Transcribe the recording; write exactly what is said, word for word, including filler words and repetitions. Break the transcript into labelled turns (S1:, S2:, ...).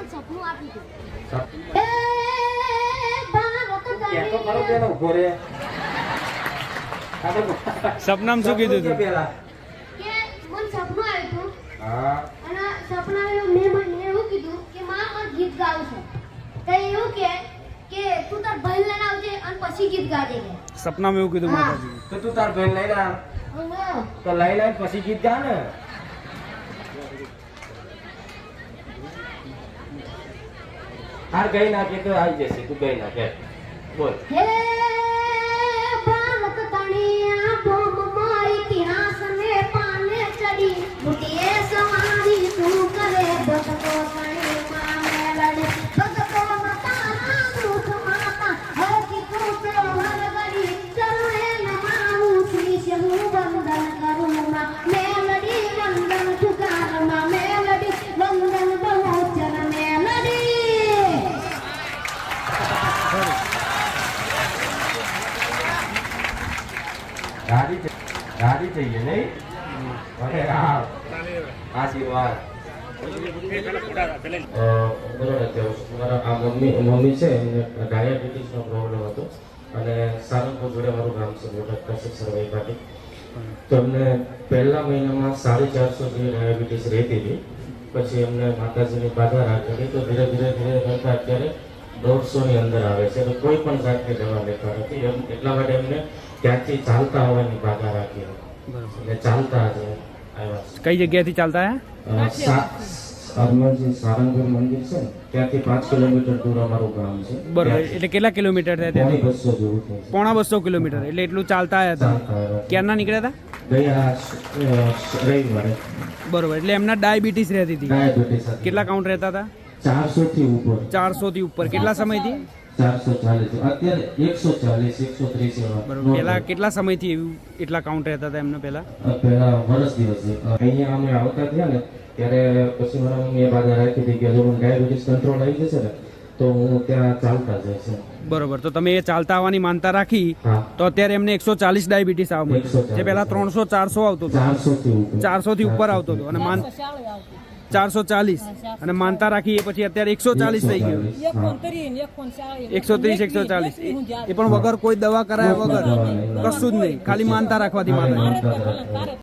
S1: સપનું આપી દઉં.
S2: સપ-
S1: એ ભારત
S2: ક્યાં તો ખરો પેલો ઉભો રે. આ તો
S3: સપનામાં શું કીધું
S2: સપનું
S3: તું?
S2: કે પેલા?
S1: કે મને સપનું આવ્યું હતું
S2: હા
S1: અને સપનામાં મેં મને એવું કીધું કે માં મને ગીત ગાવું છે. તો એવું કે કે તું તાર ભાઈ લઈને આવજે અને પછી ગીત ગાજે કે.
S3: સપનામાં એવું કીધું
S1: હા.
S3: માતાજી.
S2: તો તું તાર ભાઈ લઈ લા.
S1: હા.
S2: તો લઈ લઈને પછી ગીત ગા ને. હાર ગઈ નાખે તો આવી જશે. તું ગઈ નાખે બોલ.
S1: હે ભારત તણિયા બોમમાં ઇતિહાસ ને પાને ચડી મુટીએ સવારી તું કરે ભગતો તણીમાં મેલડી ભગતો માતા દુખ માતા હરકી તું તો હર ગડી ચરણે નમાવું શીશ હું વંદન કરું માં મેલડી વંદન ઠુકાર માં મેલડી વંદન બહુચર મેલડી.
S2: રાજી થઈ- રાજી થઈ ગઈ નહીં? અરે હા આશીર્વાદ. અ, બરોબર છે. મારા આ મમ્મી મમ્મી છે એમને ડાયાબિટીસનો પ્રોબ્લેમ હતો અને સારંગપુર જોડે મારું ગામ છે બોટાદ કચ્છ સરવાઈ પાટી. તો એમને પહેલા મહિનામાં સાડી ચારસો જેવી ડાયાબિટીસ રહેતી હતી. પછી એમને માતાજીની બાધા રાખેલી તો ધીરે ધીરે ધીરે કરતા અત્યારે દોઢસોની અંદર આવે છે. તો કોઈ પણ જાતની દવા લેતા નથી. એમ એટલા માટે એમને ત્યાંથી ચાલતા આવવાની બાધા રાખી
S3: બરાબર.
S2: એટલે ચાલતા જ આવ્યા છે.
S3: કઈ જગ્યાએથી ચાલતા આયા?
S2: અ, સા- હનુમાનજી સારંગપુર મંદિર છે ને ત્યાંથી પાંચ કિલોમીટર દૂર અમારું ગામ છે.
S3: બરોબર.
S2: ત્યાંથી
S3: એટલે કેટલા કિલોમીટર થયા
S2: પોણી
S3: ત્યાંથી?
S2: બસો જેવું થાય છે.
S3: પોણા બસો કિલોમીટર. એટલે એટલું ચાલતા આવ્યા હતા.
S2: ચાલતા આવ્યા છે.
S3: ક્યારના નીકળ્યા હતા?
S2: ગયા અ, રવિવારે
S3: બરોબર. એટલે એમના ડાયાબિટીસ રહેતી હતી.
S2: ડાયાબિટીસ હતી.
S3: કેટલા કાઉન્ટ રહેતા હતા?
S2: ચારસો થી ઉપર
S3: ચારસો થી ઉપર. કેટલા સમયથી?
S2: ચારસો ચાલીસ અત્યારે એકસો ચાલીસ એકસો ત્રીસ એવા
S3: બરોબર. પહેલા કેટલા સમયથી એવું એટલા કાઉન્ટ રહેતા હતા એમને પહેલા?
S2: અ, પહેલા વર્ષ દિવસે અહીંયા અમે આવતા થયા ને ત્યારે પછી મારા મમ્મીએ બાધા રાખી હતી કે જો મને ડાયાબિટીસ કંટ્રોલ આવી જશે ને તો હું ત્યાં ચાલતા જઈશ.
S3: બરોબર. તો તમે એ ચાલતા આવવાની માનતા રાખી
S2: હા
S3: તો અત્યારે એમને એકસો ચાલીસ ડાયાબિટીસ આવવા
S2: એકસો
S3: મળ્યું. જે પહેલા ત્રણસો ચારસો આવતો હતો.
S2: ચારસો થી ઉપર
S3: ચારસો થી ઉપર આવતો હતો અને માન ચારસો ચાલીસ અને માનતા રાખી એ પછી અત્યારે એકસો ચાલીસ થઈ ગયું. એકસો ત્રીસ એકસો ચાલીસ એ પણ વગર કોઈ દવા કરાયા વગર કશું જ નહીં, ખાલી માનતા રાખવાથી માતાજી.
S2: માનતા રાખવા.